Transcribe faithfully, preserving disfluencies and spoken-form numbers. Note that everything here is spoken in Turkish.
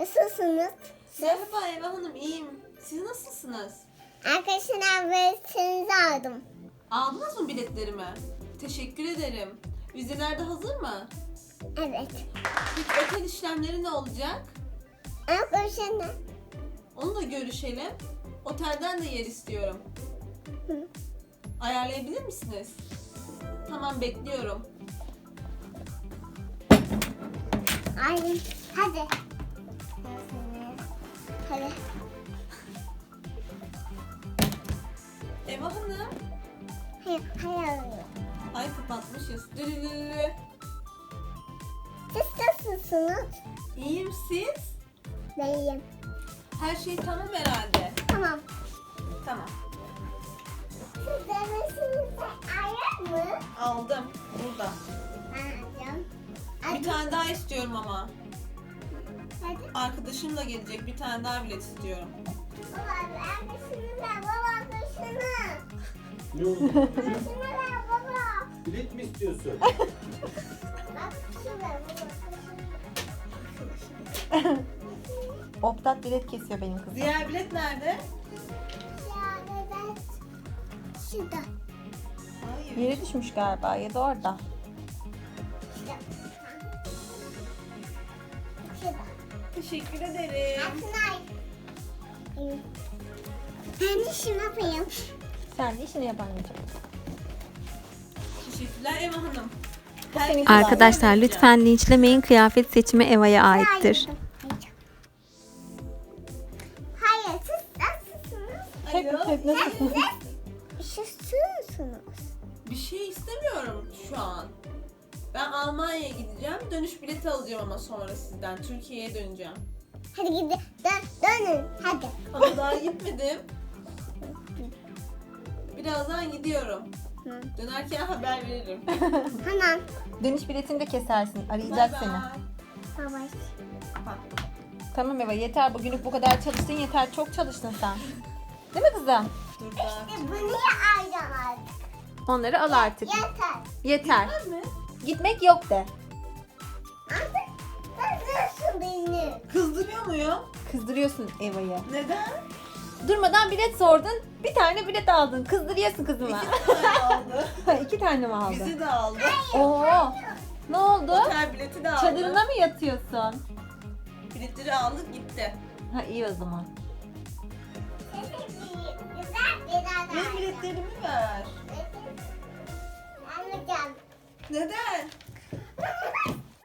Nasılsınız? Merhaba Eva Hanım, iyiyim. Siz nasılsınız? Arkadaşlar biletinizi aldım. Aldınız mı biletlerimi? Teşekkür ederim. Vizeler de hazır mı? Evet. Peki otel işlemleri ne olacak? Arkadaşlar. Onu da görüşelim. Otelden de yer istiyorum. Hı. Ayarlayabilir misiniz? Tamam, bekliyorum. Aynen. Hadi. Hadi. Eva Hanım. Hayır, hayır. Ay, kapatmışız. Dürülülü. Siz nasılsınız? İyiyim, siz? Değilim. Her şey tamam herhalde. Tamam. Tamam. Siz demesinizde ayar mı? Aldım. Burada. Alacağım. Bir tane daha istiyorum ama. Hadi. Arkadaşım da gelecek. Bir tane daha bilet istiyorum. Baba, arkadaşını ver. Baba, arkadaşını. Ne oldu? Arkadaşını ver baba. Bilet mi istiyorsun? Bak, şunu ver baba. Optat bilet kesiyor benim kızım. Diğer bilet nerede? Ya, evet. Şurada. Hayır. Yere düşmüş galiba ya da orada. Şurada. Şurada. Teşekkür ederim. Atınay. Ben de şunu yapayım. Sen de işini yap anneciğim. Teşekkürler Eva Hanım. senin Herkese Arkadaşlar vereceğim. lütfen linçlemeyin. Kıyafet seçimi Eva'ya aittir. Hayır, siz nasılsınız? Hep, Alo. hep nasılsın? Üşüsünüz. Bir şey istemiyorum şu an. Ben Almanya'ya gideceğim. Dönüş bileti alacağım ama sonra sizden. Türkiye'ye döneceğim. Hadi gidin. Dön, dönün. Hadi. Ama daha gitmedim. Birazdan gidiyorum. Hı. Dönerken haber veririm. Tamam. Dönüş biletini de kesersin. Bay Arayacak bay. seni. Baba. Kapattım. Tamam Eva yeter. Bugünlük bu kadar çalıştın yeter. Çok çalıştın sen. Değil mi kızım? Dur da. İşte bunu ya alacağım artık. Onları al artık. Yeter. Yeter. Var mı? Gitmek yok de. Artık kızıyorsun beni. Kızdırıyor muyum? Kızdırıyorsun Eva'yı. Neden? Durmadan bilet sordun. Bir tane bilet aldın. Kızdırıyorsun kızıma. İki tane aldı. İki tane mi aldın? Bizi de aldı. Oo. Ne oldu? Otel bileti de aldı. Çadırına mı yatıyorsun? Biletleri aldık gitti. Ha iyi o zaman. Güzel bir adam. Benim biletlerimi ver. Alacağım. Neden?